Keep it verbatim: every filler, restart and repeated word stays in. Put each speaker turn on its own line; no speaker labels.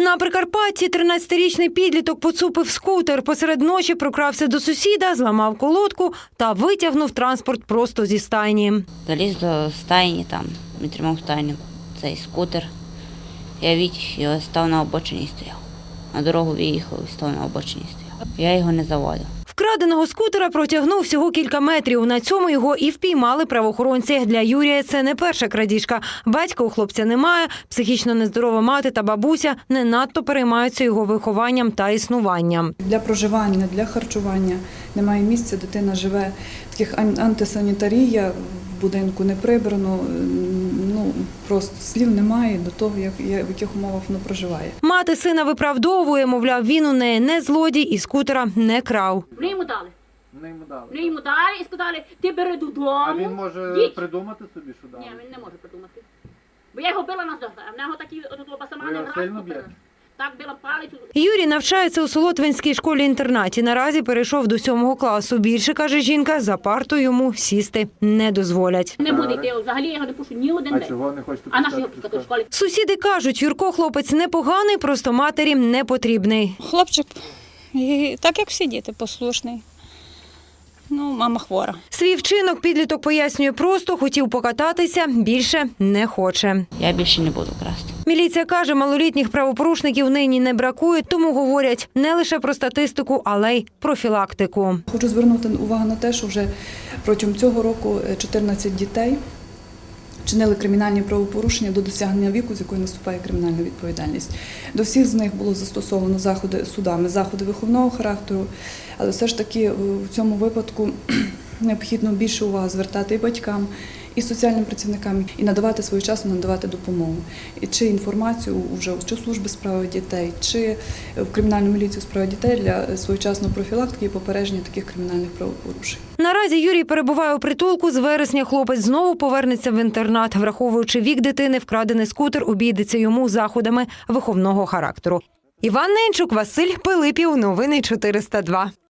На Прикарпатті тринадцятирічний підліток поцупив скутер. Посеред ночі прокрався до сусіда, зламав колодку та витягнув транспорт просто зі стайні.
Заліз до стайні, там, він тримав стайню, цей скутер. Я витяг його, став на обочині і стояв. На дорогу виїхав і став на обочині і стояв. Я його не заводив.
Вкраденого скутера протягнув всього кілька метрів. На цьому його і впіймали правоохоронці. Для Юрія це не перша крадіжка. Батька у хлопця немає, психічно нездорова мати та бабуся не надто переймаються його вихованням та існуванням.
Для проживання, для харчування немає місця, дитина живе, таких антисанітарія, в будинку не прибрано, ну просто слів немає до того, як, в яких умовах воно проживає.
Мати сина виправдовує, мовляв, він у неї не злодій і скутера не крав.
Вони йому дали.
Вони йому дали.
Вони йому дали і сказали, ти бери додому.
А він може
їдь.
придумати собі, що дали?
Ні, він не може придумати. Бо я його била на здохла, а в нього такі от басамани
Ви його сильно
раз
б'єте?
так била палицю.
Юрій навчається у Солотвинській школі-інтернаті. Наразі перейшов до сьомого класу. Більше, каже жінка, за парту йому сісти не дозволять.
Не буде йти, взагалі я його не пушу ні один
А
день.
чого не хочете
А наш його
пускати
пускати в школі?
Сусіди кажуть, Юрко хлопець непоганий, просто матері не потрібний.
Хлопчик, і так як всі діти, послушний. Ну, мама хвора.
Свій вчинок підліток пояснює просто, хотів покататися, більше не хоче.
Я більше не буду красти.
Міліція каже, малолітніх правопорушників нині не бракує, тому говорять не лише про статистику, але й профілактику.
Хочу звернути увагу на те, що вже протягом цього року чотирнадцять дітей чинили кримінальні правопорушення до досягнення віку, з якої наступає кримінальна відповідальність. До всіх з них було застосовано заходи судами, заходи виховного характеру, але все ж таки в цьому випадку необхідно більше уваги звертати і батькам, і соціальним працівникам, і надавати своєчасно надавати допомогу. І чи інформацію вже чи в служби справи дітей, чи в кримінальну міліцію справи дітей для своєчасної профілактики і попередження таких кримінальних правопорушень.
Наразі Юрій перебуває у притулку. З вересня хлопець знову повернеться в інтернат. Враховуючи вік дитини, вкрадений скутер обійдеться йому заходами виховного характеру. Іван Ненчук, Василь Пилипів. Новини чотириста два.